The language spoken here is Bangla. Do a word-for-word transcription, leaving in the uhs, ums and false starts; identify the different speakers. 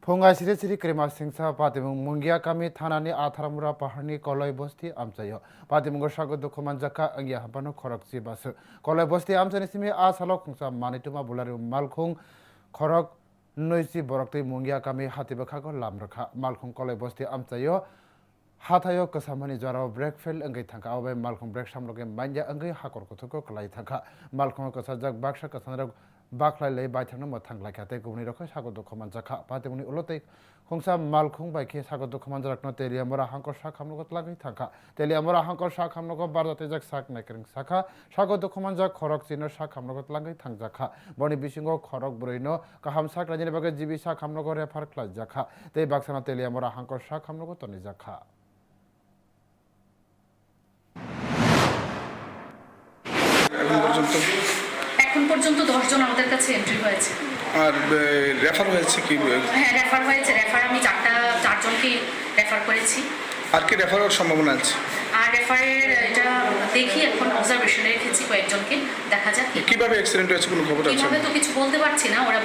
Speaker 1: फुंगा सिरि सिरि क्रेमा सिंसा पातिमुं मुंगिया कामी थानानि आथारामुरा पाहाड़नि कलय बस्ती आमचायो पातिमुंगो सागो दुखुमान जाका अंगिया हापानो खरक सिबासो कलय बस्ती आमचानि सिमि आ सालो खुंसा मानितुमा बुलारि मालखुं खरक नैसि बरक्तै मुंगिया कामी हातिबखागो लामरखा मालखुं कलय बस्ती आमचायो हाथायो कसामनि जराव ब्रेक फेल अंगै थांखा अबे मालखुं ब्रेक सामलगे माइन्या अंगै हाकर कथको कलाई थांखा मालखुं कसाजक बाक्सा कसानरक बाखलाय बायथांनो मोथां लायखाते गुबुननि रखै सागो दखमान जाखा पातिमुनि उलतै खुंसा मालखुं बायखे सागो दखमान जारकनो तेलियामरा हांकर सा खामनगो लागै थांखा तेलियामरा हांकर सा खामनगो बारजाते जाक साक नायकरिं साखा सागो दखमान जा खरक चिनो सा खामनगो लागै थांजाखा बनि बिसिंगो खरक बुरैनो काहाम साक रायनि बागे जिबि सा खामनगो रेफार ख्लाय जाखा ते बाक्साना तेलियामरा हांकर सा खामनगो तनि जाखा
Speaker 2: এখন পর্যন্ত
Speaker 3: এখন পর্যন্ত দশ জন আমাদের কাছে এন্ট্রি হয়েছে
Speaker 2: আর রেফার হয়েছে কি
Speaker 3: হ্যাঁ রেফার হয়েছে রেফার আমি চারটা চারজনকে রেফার করেছি
Speaker 2: আর কি রেফার হওয়ার সম্ভাবনা আছে
Speaker 3: আর রেফারের এটা দেখি এখন অবজারভেশনে রেখেছি কয়েকজনকে দেখা যাক
Speaker 2: কিভাবে অ্যাক্সিডেন্ট হয়েছে কোনো খবর আছে
Speaker 3: কিভাবে তো কিছু বলতে পারছি না ওরা